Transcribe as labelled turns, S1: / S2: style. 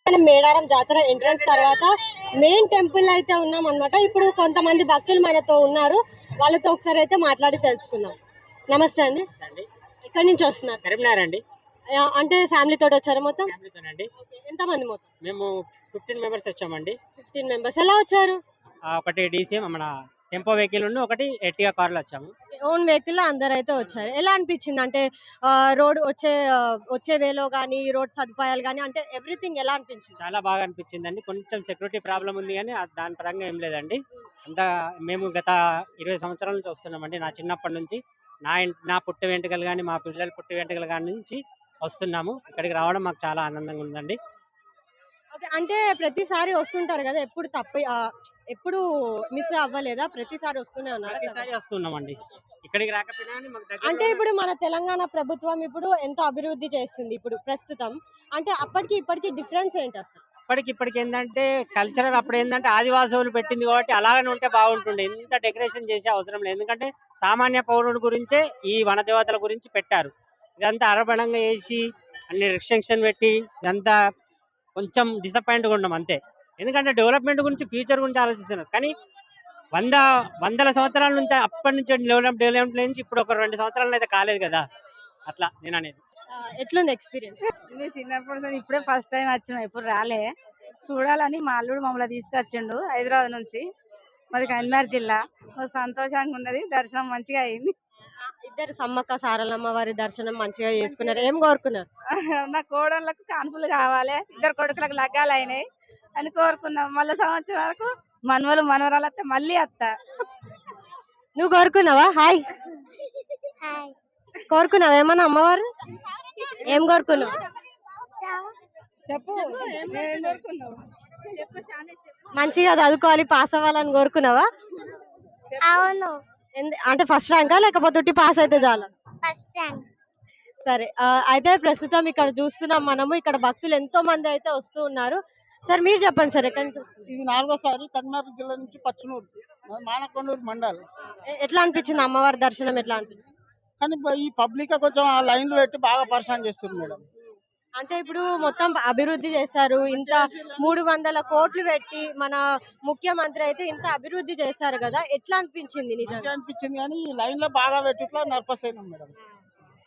S1: మనం మేడారం జాతర ఎంట్రన్స్ తర్వాత మెయిన్ టెంపుల్ అయితే ఉన్నాం అన్నమాట. ఇప్పుడు కొంతమంది భక్తులు మనతో ఉన్నారు, వాళ్ళతో ఒకసారి అయితే మాట్లాడి తెలుసుకుందాం. నమస్తే అండి, ఎక్కడి నుంచి వస్తున్నారు?
S2: కరీంనగర్ అండి.
S1: అంటే ఫ్యామిలీ తోటి వచ్చారు మొత్తం?
S2: ఫ్యామిలీతోనండి.
S1: ఎంత మంది మొత్తం?
S2: మేము 15 మెంబర్స్ వచ్చామండి.
S1: 15 మెంబర్స్. ఎలా వచ్చారు?
S2: ఒకటి డీసీఎం మన టెంపో వెహికల్ ఉండి ఒకటి ఎర్టిగా కార్లో వచ్చాము.
S1: ఓన్ వెహికల్ అందరు అయితే వచ్చారు. ఎలా అనిపించింది అంటే రోడ్ వచ్చే వేలో కానీ రోడ్ సదుపాయాలు కానీ అంటే ఎవ్రీథింగ్ ఎలా అనిపించింది?
S2: చాలా బాగా అనిపించిందండి. కొంచెం సెక్యూరిటీ ప్రాబ్లం ఉంది కానీ దాని పరంగా ఏం లేదండి. అంతా మేము గత 20 సంవత్సరాల నుంచి వస్తున్నామండి. నా చిన్నప్పటి నుంచి నా పుట్టు వెంట్రుకలు కానీ మా పిల్లల పుట్టు వెంట్రుకలు కానీ నుంచి వస్తున్నాము. ఇక్కడికి రావడం మాకు చాలా ఆనందంగా ఉందండి.
S1: ఓకే. అంటే ప్రతిసారి వస్తుంటారు కదా, ఎప్పుడు మిస్ అవ్వలేదా? ప్రతిసారి వస్తూనే ఉన్నారు.
S2: ప్రతిసారి వస్తున్నామండి. ఇక్కడికి రాకపోయినా కానీ మాకు
S1: అంటే
S2: దగ్గర
S1: ఇప్పుడు మన తెలంగాణ ప్రభుత్వం ఇప్పుడు ఎంతో అభివృద్ధి చేస్తుంది ఇప్పుడు ప్రస్తుతం. అంటే అప్పటికి ఇప్పటికి డిఫరెన్స్ ఏంటి అసలు?
S2: ఇప్పటికి ఏంటంటే కల్చరల్ అప్పుడు ఏంటంటే ఆదివాసులు పెట్టింది కాబట్టి అలాగనే ఉంటే బాగుంటుండే. ఇంత డెకరేషన్ చేసే అవసరం లేదు. ఎందుకంటే సామాన్య పౌరుడు గురించే ఈ వనదేవతల గురించి పెట్టారు. ఇదంతా అరబడంగా వేసి అన్ని రిస్ట్రిక్షన్ పెట్టి ఇదంతా కొంచెం డిసప్పాయింట్గా ఉన్నాం అంతే. ఎందుకంటే డెవలప్మెంట్ గురించి ఫ్యూచర్ గురించి ఆలోచిస్తున్నారు కానీ వందల సంవత్సరాల నుంచి అప్పటి నుంచి డెవలప్మెంట్ నుంచి ఇప్పుడు ఒక 2 సంవత్సరాలు అయితే కాలేదు కదా. అట్లా నేను అనేది.
S1: ఎట్లుంది ఎక్స్పీరియన్స్?
S3: మేము చిన్నప్పుడు ఇప్పుడే ఫస్ట్ టైం వచ్చినాం, ఎప్పుడు రాలే. చూడాలని మా అల్లుడు మమ్మల్ని తీసుకొచ్చిండు హైదరాబాద్ నుంచి. మాది కరీంనగర్ జిల్లా. సంతోషంగా ఉన్నది, దర్శనం మంచిగా అయింది.
S1: ఇద్దరు సమ్మక్క సారలమ్మ వారి దర్శనం మంచిగా చేసుకున్నారు. ఏం కోరుకున్నారు?
S3: నా కోడళ్ళకు కాన్పులు కావాలి, 2 కొడుకులకు లగ్గాలు అయినాయి అని కోరుకున్నాం. మళ్ళీ సంవత్సరం వరకు మనవలు మనవరాలు వస్తే మళ్ళీ వస్తా.
S1: నువ్వు కోరుకున్నావా? హాయ్, కోరుకున్నావా ఏమన్నా అమ్మవారు? ఏం కోరుకున్నావు?
S3: చెప్పు, ఏం కోరుకున్నావు?
S1: మంచిగా చదువుకోవాలి, పాస్ అవ్వాలని కోరుకున్నావా?
S4: అవును,
S1: అంటే ఫస్ట్ ర్యాంకా లేకపోతే పాస్ అయితే చాలా?
S4: First rank.
S1: సరే, అయితే ప్రస్తుతం ఇక్కడ చూస్తున్నాం మనము. ఇక్కడ భక్తులు ఎంతో మంది అయితే వస్తూ ఉన్నారు. సార్ మీరు చెప్పండి సార్, ఎక్కడి నుంచి వస్తున్నారు?
S5: ఇది 4వ సారి కరీంనగర్ జిల్లా నుంచి పచ్చనూరు మానకొండూరు మండల్.
S1: ఎట్లా అనిపించింది అమ్మవారి దర్శనం? ఎట్లా అనిపించింది?
S5: కానీ ఈ పబ్లిక్ కొంచెం ఆ లైన్లు పెట్టి బాగా పరిశాన్ చేస్తుంది మేడం.
S1: అంటే ఇప్పుడు మొత్తం అభివృద్ధి చేశారు, ఇంత 300 కోట్లు పెట్టి మన ముఖ్యమంత్రి అయితే ఇంత అభివృద్ధి చేశారు కదా, ఎట్లా అనిపించింది? నిజంగా
S5: అనిపించింది కానీ ఈ లైన్ లో బాగా పెట్టి ఇట్లా నర్పస్ అయినాం మేడం.